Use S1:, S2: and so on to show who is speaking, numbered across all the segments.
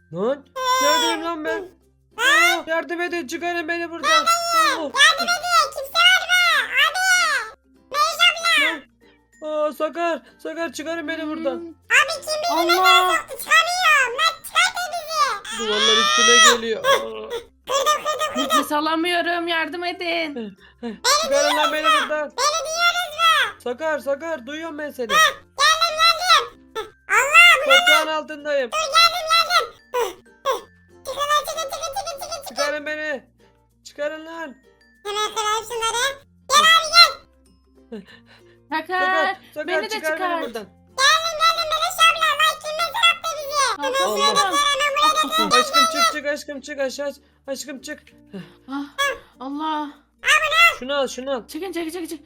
S1: Lan neredeyim lan ben? Aa, yardım edin, çıkarın beni buradan. Oh,
S2: Yardım edin. Kimse var mı? Abi. Meyve abla.
S1: aa, Sakar çıkarın beni buradan.
S2: Abi kim bizi mezara
S3: Allah.
S2: soktu? Çıkamıyorum. Lan çıkartın bizi.
S1: Duvarlar üstüme geliyor. Aa,
S3: Nefes alamıyorum. Yardım edin.
S1: çıkarın lan beni buradan.
S2: Beni duyuyoruz mu?
S1: Sakar duyuyorum ben seni.
S2: Geldim. Allah.
S1: Toprağın altındayım.
S2: Geldim. Çıkın lan çıkın.
S1: Çıkarın beni. Çıkarın lan.
S2: Hemen kıralım şunları.
S3: Sakar.
S1: Sakar
S3: Beni de
S1: çıkar beni
S3: çıkar.
S1: buradan.
S2: Geldim Meleş abla. Lan kim mezar attı bizi?
S3: Kalkamıyorum.
S1: Aşkım çık aşkım çık aşağı. Aşkım çık.
S3: Ah, Allah.
S1: Şunu al şunu al.
S3: Çıkın çık. Çık.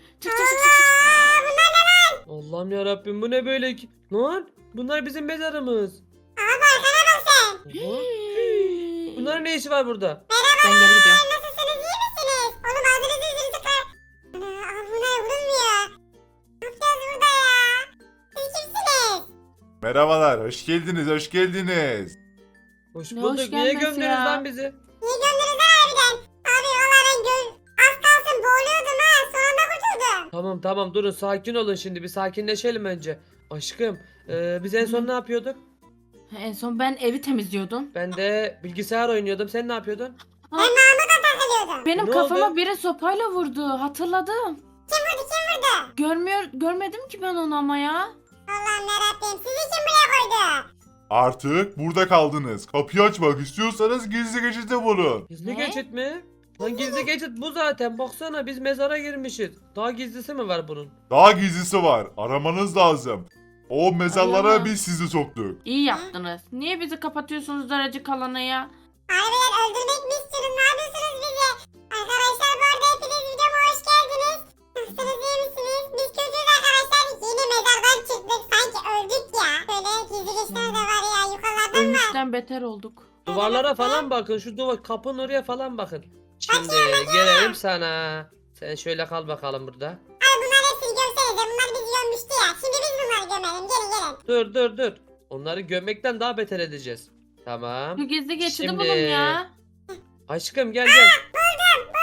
S1: Allah'ım ya Rabbim, bu ne böyle ki? Lan bunlar bizim mezarımız.
S2: Abi arkana bak sen.
S1: Oha. Bunların ne işi var burada?
S3: Ben geri gidiyorum.
S2: Nasılsınız iyi misiniz? Oğlum ağzınızı yüzünüzü kır. Ana abi buna vurulmuyor. Ne yapacağız burada ya? Siz kimsiniz?
S4: Merhabalar, hoş geldiniz, hoş geldiniz.
S1: Hoş
S3: Ne
S1: bulduk.
S3: hoş
S1: Niye
S3: gelmesi
S1: gömdünüz
S3: ya?
S1: lan bizi?
S2: Niye gönderiz harbiden? Abi valla ben az kalsın boğuluyordum ha. Son anda kurtuldum.
S1: Tamam durun, sakin olun şimdi, bir sakinleşelim önce. Aşkım biz en son ne yapıyorduk?
S3: En son ben evi temizliyordum.
S1: Ben de bilgisayar oynuyordum, sen ne yapıyordun?
S2: Ben Mahmut'a takılıyordum.
S3: Benim
S1: Ne
S3: kafama
S1: oldu?
S3: biri sopayla vurdu. Hatırladım.
S2: Kim vurdu?
S3: Görmedim ki ben onu ama ya.
S2: Allah'ım yarabbim. Sizi kim buraya koydu?
S4: Artık burada kaldınız. Kapıyı açmak istiyorsanız gizli geçite vurun.
S1: Gizli
S3: Ne?
S1: geçit mi? Lan gizli geçit bu zaten, baksana biz mezara girmişiz. Daha gizlisi mi var bunun?
S4: Daha gizlisi var, aramanız lazım. O mezarlara
S3: Arayalım.
S4: biz sizi soktuk.
S3: İyi yaptınız. Niye bizi kapatıyorsunuz daracık alana ya?
S2: Harbiden öldürmek mi istiyorsunuz? Ne yapıyorsunuz bizi? Arkadaşlar bu arada hepiniz videoma hoş geldiniz. Nasılsınız iyi misiniz? Biz kötüyüz arkadaşlar. Yeni mezardan çıktık. Sanki öldük ya. Böyle gizli geçler de var ya. Yukarılardan var.
S3: Ölmüşten beter olduk.
S1: Duvarlara falan bakın, şu duvar kapının oraya falan bakın. Şimdi gelelim sana. Sen şöyle kal bakalım burada.
S2: Abi bunların hepsini gömsenize. Bunlar bizi gömmüştü ya. Şimdi biz bunları gömelim. Gelin.
S1: Dur. Onları gömmekten daha beter edeceğiz. Tamam.
S3: Şu gizli geçidi
S1: Şimdi-
S3: bulun ya.
S1: Aşkım gel.
S2: Buldum.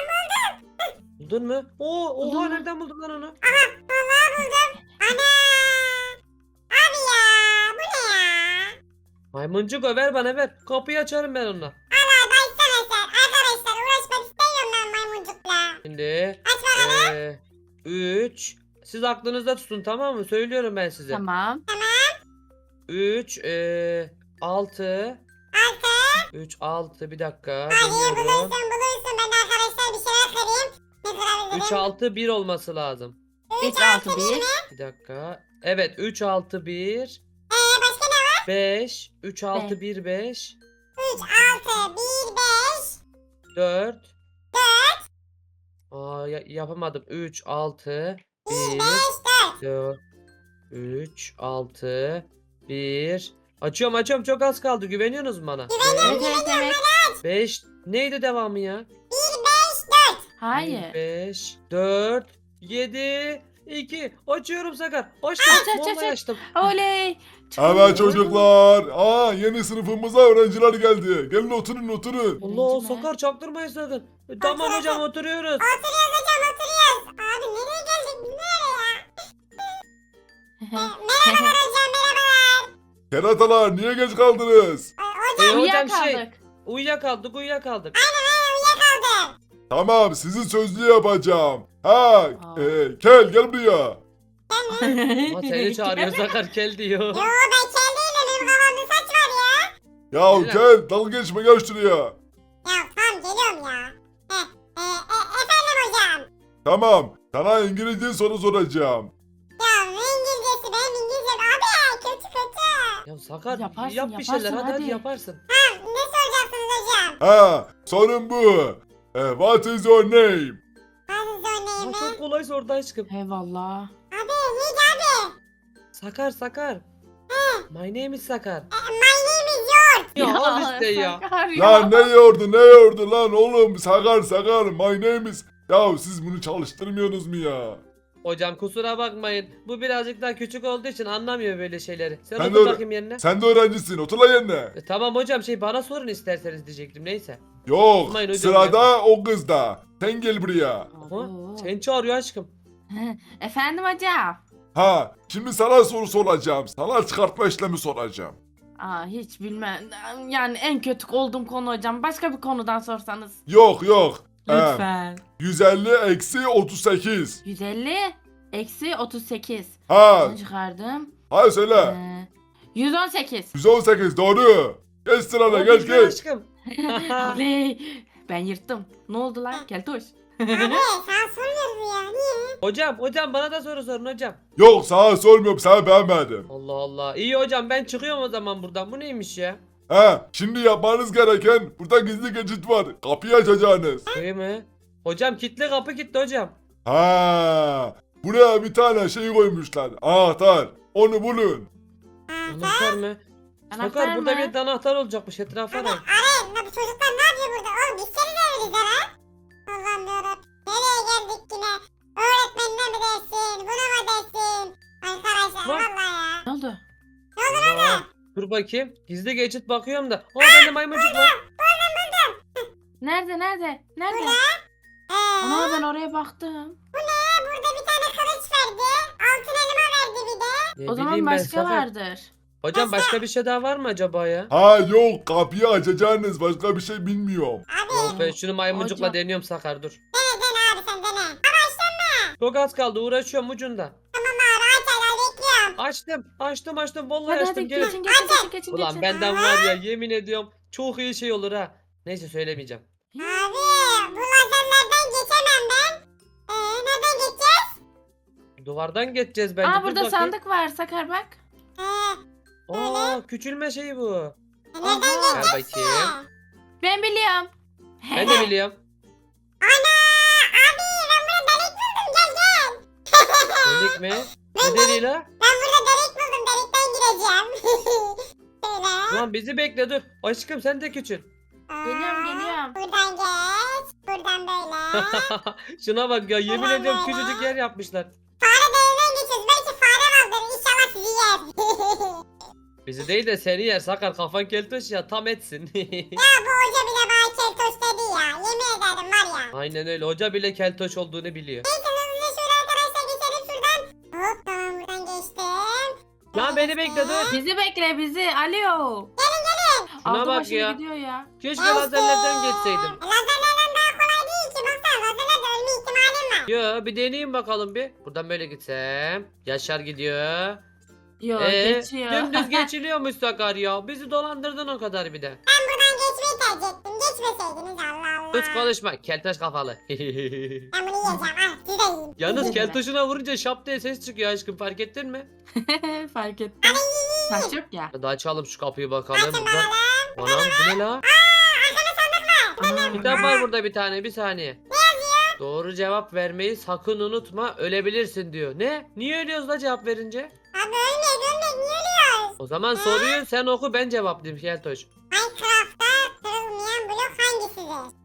S1: Buldun mu? Oha
S3: Buldum mu?
S1: nereden buldun lan onu?
S2: Vallahi buldum. Ana. Abi ya. Bu ne ya?
S1: Maymuncuk o, ver bana ver. Kapıyı açarım ben onunla.
S2: Allah başsana sen. Arkadaşlar uğraşmak istemiyorum ben maymuncukla.
S1: Şimdi
S2: Aç bakalım.
S1: 3. Siz aklınızda tutun, tamam mı? Söylüyorum ben size.
S3: Tamam.
S1: 3 6
S2: Altı.
S1: 3 6 bir dakika.
S2: Hadi
S1: Deniyorum.
S2: bulursun. Ben de arkadaşlar bir şeyler kırayım. Ne
S1: 3
S2: kırabilirim?
S1: 6 1 olması lazım.
S3: 3 6 1.
S1: Bir dakika. Evet, 3 6 1
S2: Başka ne var?
S1: 5 3 6 1 5
S2: 3, 6, 1, 5,
S1: 4 yapamadım. 3 6
S2: 1, 5,
S1: 1
S2: 4.
S1: 4 3 6 1 Açıyorum, çok az kaldı. Güveniyorsunuz mu bana?
S3: Evet.
S1: 5 neydi devamı ya?
S2: 1, 5, 4.
S3: Hayır.
S1: 5 4 7 2 Açıyorum Sakar. Açtım.
S3: Aç.
S1: Vallahi açtım.
S3: Oley.
S4: Evet çocuklar. Yeni sınıfımıza öğrenciler geldi. Gelin oturun.
S1: Allah,
S3: Öğrenci mi?
S1: Sakar çaktırmayın sakın. Tamam hocam, oturuyoruz.
S2: Oturuyoruz hocam oturuyoruz. Abi nereye geldik biz nereye ya? Merhabalar hocam merhabalar.
S4: Keratalar niye geç kaldınız?
S2: Hocam
S1: Hocam
S3: Uyuyakaldık.
S1: uyuyakaldık.
S2: uyuyakaldım.
S4: Tamam sizi sözlü yapacağım. Gel buraya.
S1: Ama seni çağırıyor Sakar, kel diyor.
S2: Yo ben kel değilim benim kafamda saç var ya.
S4: Ya
S1: Gel.
S4: gel dalga geçme gel şuraya.
S2: Ya tamam geliyorum ya. Efendim hocam.
S4: Tamam sana İngilizce soru soracağım.
S2: Ya ne İngilizcesi benim İngilizcem abi kötü.
S1: Ya Sakar
S3: Yaparsın,
S1: yap bir şeyler,
S3: yaparsın,
S1: hadi
S3: hadi.
S1: yaparsın.
S2: Ne soracaksınız hocam?
S4: Sorun bu. What is your name?
S2: Hadi
S1: Ama
S2: zorlayayım ben.
S1: çok kolay sordu aşkım.
S3: Eyvallah.
S2: Abi neydi abi?
S1: Sakar. My name is Sakar.
S2: My name is yours.
S1: Ya al işte ya.
S3: Sakar
S4: Lan ne yordu lan oğlum sakar my name is. Ya siz bunu çalıştırmıyorsunuz mu ya?
S1: Hocam kusura bakmayın. Bu birazcık daha küçük olduğu için anlamıyor böyle şeyleri. Sen
S4: Ben
S1: otur
S4: de-
S1: bakayım yerine.
S4: Sen de öğrencisin. Otur lan yerine.
S1: Tamam hocam bana sorun isterseniz diyecektim neyse.
S4: Yok.
S1: Tutmayın hocam
S4: Sırada o kızda. Sen gel buraya.
S1: Aha,
S3: Oo.
S1: seni çağırıyor aşkım.
S3: Efendim hocam.
S4: Ha, şimdi sana soru soracağım. Sana çıkartma işlemi soracağım.
S3: Hiç bilmem. Yani en kötü olduğum konu hocam. Başka bir konudan sorsanız.
S4: Yok yok.
S3: Lütfen.
S4: 150 eksi 38.
S3: 150 eksi 38.
S4: Ha,
S3: Bunu çıkardım.
S4: hadi söyle.
S3: 118.
S4: 118 doğru. Geç sırana
S1: O
S4: geç
S1: bizden
S4: geç.
S1: aşkım.
S3: Oley. Ben yırttım. Ne oldu lan? Keltoş.
S2: Abi sana sormuyoruz bu ya. Niye?
S1: Hocam bana da soru sorun hocam.
S4: Yok sana sormuyorum sana beğenmedim.
S1: Allah Allah. İyi hocam ben çıkıyorum o zaman buradan. Bu neymiş ya?
S4: Ha, şimdi yapmanız gereken burada gizli geçit var. Kapıyı açacaksınız.
S1: Şey mi? Hocam kilitli kapı kilitli hocam.
S4: Ha, buraya bir tane şey koymuşlar. Anahtar. Onu bulun.
S1: Anahtar mı?
S3: Anahtar
S1: Sakar burada
S3: mı?
S1: bir anahtar olacakmış etrafa
S2: Abi
S1: ne?
S2: arayın. Bu çocuklar ne yapıyor burada? Oğlum biz seni de öyleyiz ha. Allah'ım yarabbim. Nereye geldik yine? Öğretmenine mi dersin? Buna mı dersin? Arkadaşlar
S1: Lan.
S2: vallahi ya.
S3: Ne oldu?
S1: Aa, dur bakayım. Gizli geçit bakıyorum da. Aa bende maymuncuk var.
S3: Nerede? Nerede? Ama ben oraya baktım.
S2: Burada bir tane kılıç verdi. Altın elma verdi bir de.
S1: Ne
S3: O zaman
S1: bileyim ben,
S3: başka
S1: Sakar.
S3: vardır.
S1: Hocam başka bir şey daha var mı acaba ya?
S4: Ha yok kapıyı açacaksınız. Başka bir şey bilmiyorum.
S2: Abi
S1: Yok ben şunu maymuncukla
S3: Hocam.
S1: deniyorum Sakar dur.
S2: dene abi sen dene. Ama
S1: Çok az kaldı uğraşıyorum ucunda.
S2: tamam abi aç hala bekliyorum.
S1: Açtım vallahi
S3: Hadi
S1: açtım
S3: hadi
S1: gelin.
S3: geçin.
S1: Ulan benden var ya yemin ediyorum çok iyi şey olur ha. Neyse söylemeyeceğim.
S2: Abi bu lazerlerden geçemem ben. Nereden geçeceğiz?
S1: Duvardan geçeceğiz bence.
S3: Aa
S1: Dur
S3: burada
S1: bakayım.
S3: sandık var Sakar bak.
S1: Aa küçülme şeyi bu.
S2: Nereden
S3: Aha.
S1: Ver
S2: geçeceğiz ki?
S1: bakayım.
S3: Ben biliyorum.
S1: Ben de biliyorum.
S2: Ana! Abi ben burada delik buldum gel.
S1: Delik mi? Ne deliği la?
S2: Ben burada delik buldum delikten gireceğim. Şöyle.
S1: Ulan bizi bekle dur. Aşkım sen de küçül.
S3: Geliyorum.
S2: Buradan geç. Buradan böyle.
S1: Şuna bak ya yemin
S2: Ulan
S1: ediyorum
S2: be.
S1: küçücük yer yapmışlar.
S2: Fare deliğinden geçiyoruz. Belki fare vardır. İnşallah sizi yer.
S1: Bizi değil de seni yer Sakar kafan keltoş ya tam etsin.
S2: Ya bu hoca bile bana keltoş dedi ya. Yemin ederim var ya.
S1: Aynen öyle hoca bile keltoş olduğunu biliyor.
S2: Neyse hızlıca şöyle arkadaşlar geçelim şuradan. Hop tamam buradan geçtim.
S1: Lan beni bekle dur.
S3: Bizi bekle bizi. Alo.
S1: Şuna
S3: Aldı
S1: bak
S3: başını
S1: ya.
S3: gidiyor ya.
S1: Keşke lazerlerden geçseydim.
S2: Lazerlerden daha kolay değil ki. Baksana lazerlerde ölme ihtimalim var.
S1: Yo bir deneyeyim bakalım bir. Buradan böyle gitsem. Yaşar gidiyor.
S3: Yo geçiyor.
S1: Dümdüz geçiliyormuş Sakar ya. Bizi dolandırdın o kadar bir de.
S2: Ben buradan geçmeyi tercih ettim. Geçmeseydiniz Allah Allah.
S1: Hiç konuşma keltoş kafalı.
S2: Ben bunu yiyeceğim. Al siz de yiyin.
S1: Yalnız
S3: Yeme.
S1: keltoşuna vurunca şap diye ses çıkıyor aşkım fark ettin mi?
S3: Fark ettim. Taş yok ya.
S1: Hadi açalım şu kapıyı bakalım.
S2: Açın
S1: Burada...
S2: bakalım.
S1: Anam bu ne la?
S3: Aa,
S1: Kitap var burada bir tane bir saniye. Doğru cevap vermeyi sakın unutma ölebilirsin diyor. Ne? Niye ölüyoruz da cevap verince?
S2: Abi ölmek niye ölüyoruz?
S1: O zaman soruyu sen oku ben cevaplayayım Keltoş.
S2: Minecraft'ta kırılmayan blok hangisidir?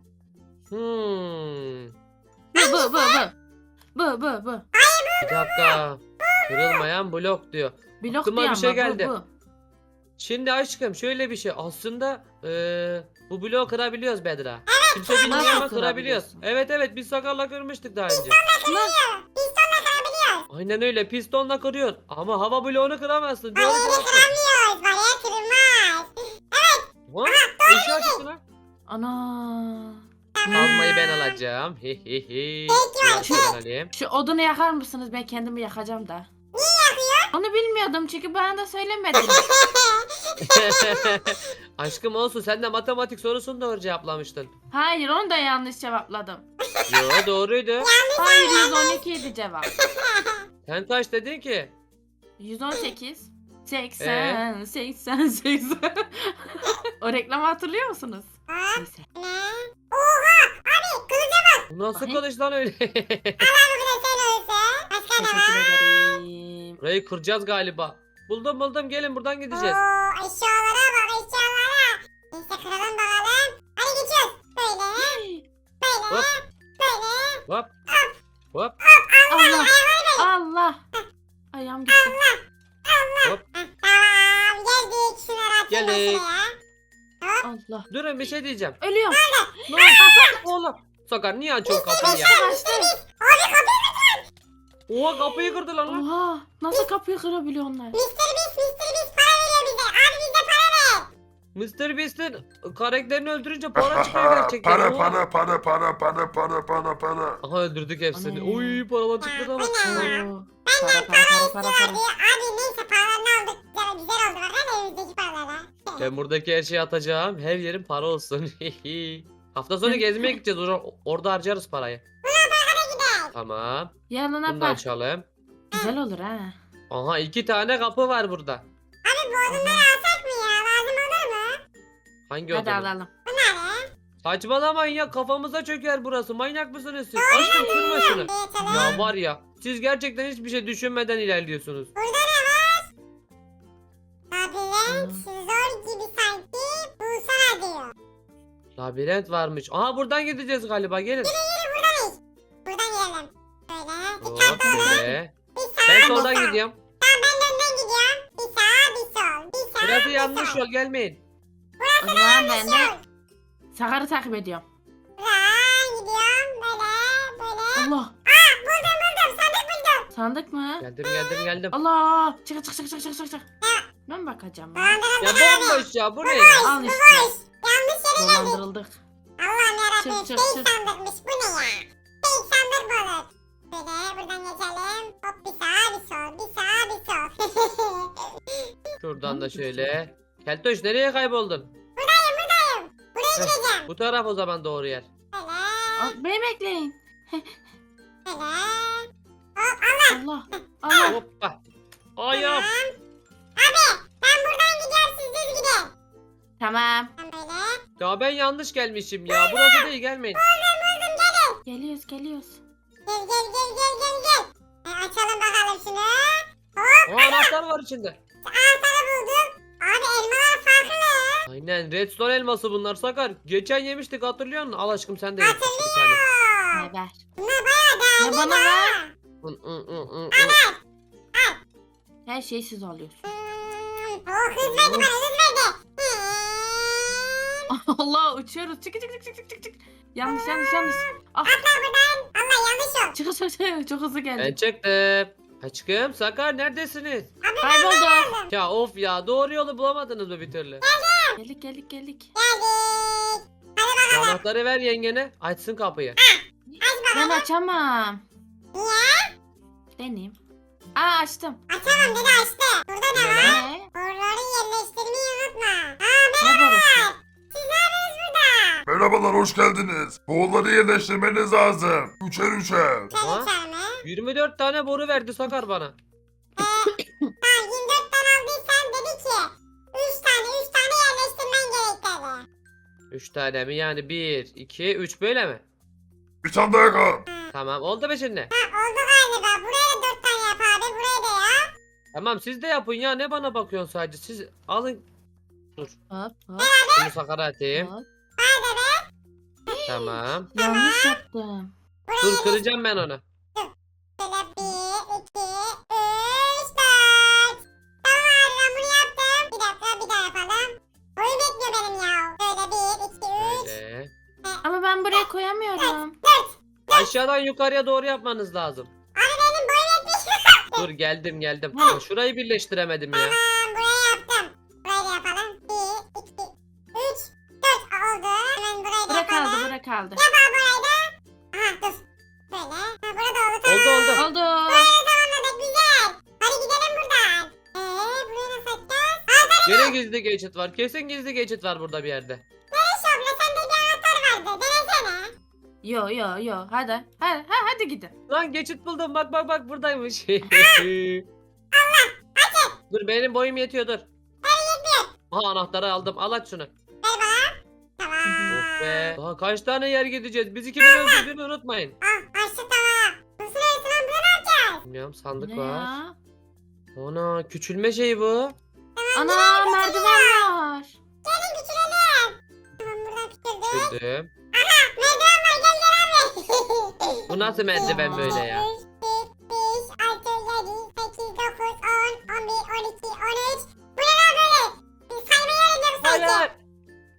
S3: Bu.
S1: Bir dakika. Kırılmayan blok diyor.
S3: Blok
S1: Aklıma
S3: diyor
S1: bir şey
S3: ama,
S1: geldi.
S3: Bu.
S1: Şimdi aşkım şöyle bir şey. Aslında bu bloğu kırabiliyoruz Bedra. Kimse bilmiyor
S3: Nasıl
S1: ama kırabiliyoruz.
S3: kırabiliyorsun?
S1: Evet biz Sakar'la kırmıştık daha önce.
S2: Pistonla kırabiliyoruz.
S1: Aynen öyle pistonla kırıyorsun. Ama hava bloğunu kıramazsın. Doğru
S2: Bariyeri
S1: cevap ver.
S2: kıramıyoruz. Bariyer kırılmaz.
S1: What? Eşya çıktı lan.
S3: Ana.
S1: Almayı ben alacağım. Hihihi.
S2: Peki,
S1: Ben alayım.
S3: Şu odunu yakar mısınız? Ben kendimi yakacağım da.
S2: Niye yakıyor?
S3: Onu bilmiyordum çünkü bana da söylemedin.
S1: Aşkım olsun sen de matematik sorusunu doğru cevaplamıştın.
S3: Hayır onu da yanlış cevapladım.
S1: Yo doğruydu.
S3: Hayır 112 idi cevap.
S1: Sen kaç dedin ki?
S3: 118. 80, 80, 80. O reklamı hatırlıyor musunuz?
S2: Hop
S3: Neyse.
S2: ne? Oha! Abi kılıca
S1: Bu nasıl
S3: Bakayım.
S1: kılıç lan öyle?
S2: bak bir de sen ölse. Başka ne
S3: Teşekkür
S2: var?
S3: ederim.
S1: Burayı kıracağız galiba. Buldum gelin buradan gideceğiz.
S2: Oo eşyalara bak eşyalara. Neyse kıralım bakalım. Hadi geçiyoruz. Böyle.
S1: Hop
S2: Böyle.
S1: hop hop.
S3: Allah. Allah. Ayağım gitti.
S1: Hop.
S2: Tamam geldik. Şunları atayım ben
S1: Geldik.
S2: şuraya.
S3: Allah.
S1: Durun bir şey diyeceğim.
S3: Ölüyorum.
S1: Ne oldu? Oğlum. Sakar niye açıyorsun kapıyı ya?
S3: Kaçtı.
S2: Abi kapıyı
S1: Oha kapıyı kırdı lan.
S3: Oha. Nasıl kapıyı kırabiliyor onlar?
S2: Mr. Beast para veriyor bize. Abi bize para ver.
S1: Mr. Beast'in karakterini öldürünce para çıkıyor gerçekten.
S4: para
S1: Oha.
S4: para.
S1: Aha öldürdük hepsini.
S3: Ana.
S1: Oy paralar çıktı da bak.
S3: Oo. Para.
S2: Abi neyse paralarını aldık. Güzel oldu. Bakın elimizdeki paralara.
S1: Ben buradaki her şeyi atacağım. Her yerin para olsun. Hafta sonu gezmeye gideceğiz. Orada harcarız parayı. Tamam.
S3: Yanına
S1: Bunu da
S3: bak.
S1: açalım.
S3: Güzel olur ha.
S1: Aha 2 tane kapı var burada.
S2: Abi bu odunları alsak mı ya? Lazım olur mu?
S1: Hangi
S3: Hadi
S1: oda?
S3: alalım.
S2: Bunları.
S1: Saçmalamayın ya kafamıza çöker burası. Manyak mısınız siz? Aşkım kırma şunu.
S2: Geçelim.
S1: Ya var ya siz gerçekten hiçbir şey düşünmeden ilerliyorsunuz.
S2: Burada ne var? Labirent zor gibi sanki. Bulsana diyor.
S1: Labirent varmış. Aha buradan gideceğiz galiba gelin.
S2: Buradan yiyelim. Böyle.
S1: Hop
S2: Dikkatli olun.
S1: şöyle.
S2: Bir sağ
S1: Ben
S2: bir
S1: soldan
S2: sol.
S1: gidiyorum.
S2: Tamam ben de önden gidiyorum. Bir sağ bir sol. Bir sağ
S1: Burası
S2: bir
S1: yanlış
S2: sol.
S1: yol gelmeyin.
S3: O zaman ben de
S2: Sol.
S3: Sakar'ı takip ediyorum.
S2: Buradan gidiyorum. Böyle.
S3: Allah.
S2: Buldum. Sandık buldum.
S3: Sandık mı?
S1: Geldim.
S3: Allah. Çık. Ben bakacağım. Ya.
S2: Dolandırıldık
S1: Ya
S2: abi.
S1: bomboş ya bu ne ya?
S3: Al işte.
S2: Boş. Yanlış yere geldik.
S3: Dolandırıldık.
S2: Allah'ım yarabbim.
S3: Çık.
S2: Fake sandıkmış. Bu ne ya? Fake sandık mı olur? Böyle buradan geçelim. Hop bir sağ bir sol. Bir sağ bir sol.
S1: Şuradan da şöyle. Keltoş nereye kayboldun?
S2: Buraya
S1: Heh.
S2: gideceğim.
S1: Bu taraf o zaman doğru yer.
S2: Böyle.
S3: Al, beni bekleyin.
S2: Böyle.
S3: Allah. Allah.
S1: Hoppa. Ayağım.
S2: Ben buradan gidiyorum siz düz gidin.
S3: Tamam.
S2: Ben böyle.
S1: Ya ben yanlış gelmişim ya. Burası değil gelmeyin.
S3: Geliyoruz.
S2: Gel. Açalım bakalım şunu.
S1: Aa, anahtar var içinde.
S2: Anahtarı buldum. Abi elmalar farklı.
S1: Aynen redstone elması bunlar Sakar. Geçen yemiştik hatırlıyor musun? Al aşkım sen de ye. Bir tane.
S3: Ne ver?
S2: Bunlar bayağı değerli.
S3: Ne bana ver?
S1: Hı.
S3: Her şeyi siz alıyorsun.
S2: Oh hız verdi bana hız verdi.
S3: Allah uçuyoruz. Çık. Yanlış. Ah.
S2: Allah yanlış oldu.
S3: Çık. Çok hızlı
S1: Ben
S3: geldik.
S1: çıktım. Aşkım Sakar neredesiniz?
S3: Kaybolduk.
S1: Ya of ya doğru yolu bulamadınız mı bir türlü?
S3: Geldik.
S2: Geldik.
S1: Şu anahtarı ver yengene açsın kapıyı.
S3: Ben açamam.
S2: Niye?
S3: Deneyim. Aa açtım.
S2: Açamam dedi açtı. Burada ne var?
S3: Ne?
S2: Boruları yerleştirmeyi unutma.
S3: Ne borusu?
S2: Siz ne yapıyorsunuz burada?
S4: Merhabalar hoş geldiniz. Boğulları yerleştirmeniz lazım. Üçer.
S1: Aha.
S2: Sen içer mi?
S1: 24 tane boru verdi Sakar bana.
S2: Tamam 24 tane aldıysan dedi ki 3 tane yerleştirmen gerek dedi.
S1: 3 tane mi yani 1, 2, 3 böyle mi?
S4: Bir tane daha kal.
S1: Tamam oldu mu şimdi?
S2: Oldu galiba. Buraya da 4 tane yap abi. Buraya da ya.
S1: Tamam siz de yapın ya ne bana bakıyorsun sadece siz alın.
S3: Hop.
S1: Bunu Sakar'a atayım.
S3: Hop.
S1: Tamam.
S3: Yanlış yaptım.
S1: Dur kıracağım ben onu.
S2: Şöyle 1, 2, 3, 4. Tamam abi ben bunu yaptım. Bir dakika bir daha yapalım. Oyun bekliyor benim ya. Şöyle 1, 2, 3.
S1: Böyle.
S3: Ama ben buraya koyamıyorum.
S1: Aşağıdan yukarıya doğru yapmanız lazım.
S2: Benim boyum yetmiş.
S1: Dur geldim. Ya şurayı birleştiremedim ya.
S2: Tamam buraya yaptım. Burayı da yapalım. 1, 2, 3, 4 oldu. Hemen burayı da yapalım.
S3: Bura kaldı.
S2: Burayı da. Aha dur. Böyle. Ha, burada oldu. Tamam.
S1: Oldu.
S3: Oldu.
S2: Tamamladık güzel. Hadi gidelim buradan. Burayı nasıl açacağız?
S1: Gene gizli geçit var. Kesin gizli geçit var burada bir yerde.
S2: Şöyle sende bir anahtar vardı. Denesene.
S3: Yo. Hadi gidin.
S1: Lan geçit buldum. Bak buradaymış. Dur benim boyum yetiyor dur. Aha anahtarı aldım. Al aç şunu.
S2: Ver bana. Tamam.
S1: Oh be. Daha kaç tane yer gideceğiz? Biz ikimiz öldürdüğünü unutmayın.
S2: Açtı tamam. Nasıl öyle lan burada ne yapacağız?
S1: Bilmiyorum
S3: Bu
S1: sandık
S3: ne
S1: var.
S3: ya?
S1: Ana küçülme şeyi bu.
S3: Ana merdiven var.
S2: Gelin küçülelim. Tamam buradan küçüldük.
S1: Küçüldüm.
S2: Merdiven var gel abi.
S1: Bu nasıl merdiven böyle ya?
S2: 3, 4, 5, 6,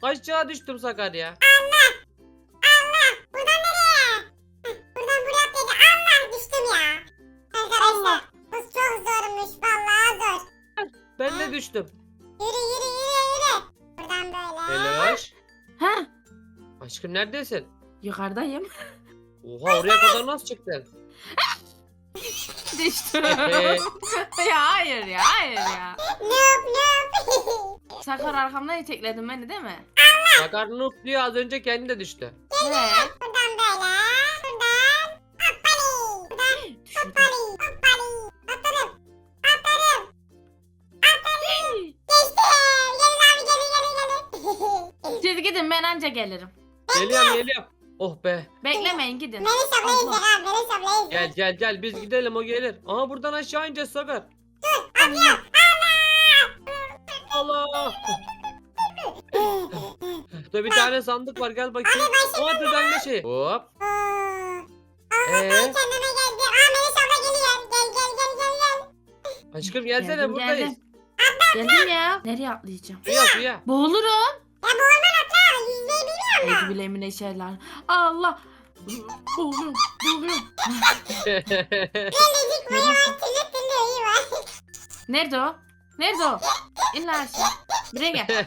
S1: Aşağı düştüm Sakar ya.
S2: Buradan nereye? Buradan buraya atlayacağım. Allah düştüm ya. Arkadaşlar bu çok zormuş. Vallahi zor.
S1: Ben de düştüm.
S2: Yürü. Buradan böyle.
S1: Meloş.
S3: Ha?
S1: Aşkım neredesin?
S3: Yukarıdayım.
S1: Oha oraya kadar nasıl çıktın?
S3: Düştüm.
S1: Ehe.
S3: Ya hayır ya.
S2: Noob.
S3: Sakar arkamdan itekledin beni değil mi?
S1: Sakar noob diyor az önce kendi de düştü.
S3: He.
S2: Buradan böyle. Buradan. Hoppali. Buradan
S3: Düşürdüm.
S2: hoppali. Atladım. Geçtim. Gelin.
S3: Siz gidin ben anca gelirim.
S1: Geliyorum. Oh be.
S3: Beklemeyin gidin.
S2: Melis abla izle abi. Melis abla izle.
S1: Gel biz gidelim o gelir. Aha buradan aşağı ineceğiz Sakar. Allah. Burada bir tane sandık var gel bakayım. Aa düzenli şey. Hop.
S2: Allah ben kendime geldim. Aa Melis abla geliyor. Gel.
S1: Aşkım gelsene
S3: Geldim,
S1: buradayız.
S3: Geldim ya. Nereye atlayacağım?
S1: Suya.
S3: Boğulurum.
S2: Ya bu orman atla. Yüzmeyi bilmiyor musun?
S3: Ezbilemine şeyler. Allah. Boğuluyorum.
S2: Gelecek boyu var. Tülü iyi var.
S3: Nerede o? İn lan aşağı. Buraya gel.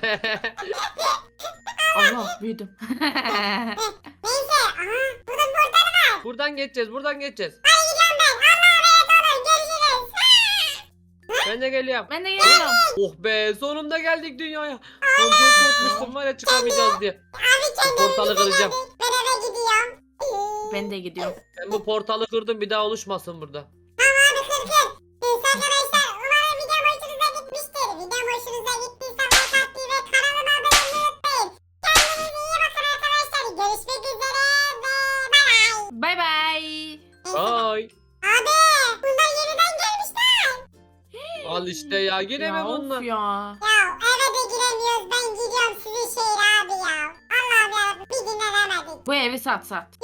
S3: Allah büyüdüm.
S2: Neyse. Aha. Burada bir portal var.
S1: Buradan geçeceğiz.
S2: Hadi gidiyorum ben. Allah'a emanet olun. Görüşürüz.
S1: Ben de geliyorum.
S3: Ben de geliyorum.
S1: Oh be sonunda geldik dünyaya. Lan çok korkmuştum var ya çıkamayacağız diye.
S2: Abi kendimi
S1: Portalı kıracağım.
S2: Ben eve gidiyorum.
S3: Ben de gidiyorum.
S1: Ben bu portalı kırdım bir daha oluşmasın burada.
S2: Abi kırdım. Neyse arkadaşlar umarım videom hoşunuza gitmiştir. Videom hoşunuza gittiyse like atmayı ve kanalıma abone olmayı unutmayın. Kendinize iyi bakın arkadaşlar. Görüşmek üzere ve bay bay.
S3: Bay bay.
S1: Ay.
S2: Abi bunlar yeniden gelmişler.
S1: Al işte ya yine mi
S3: Ya
S1: bunlar?
S3: of ya.
S2: Ya eve de giremiyoruz. Ben gidiyorum sizin şehre abi ya. Allah'ım yarabbim bir dinlenemedik.
S3: Bu evi sat.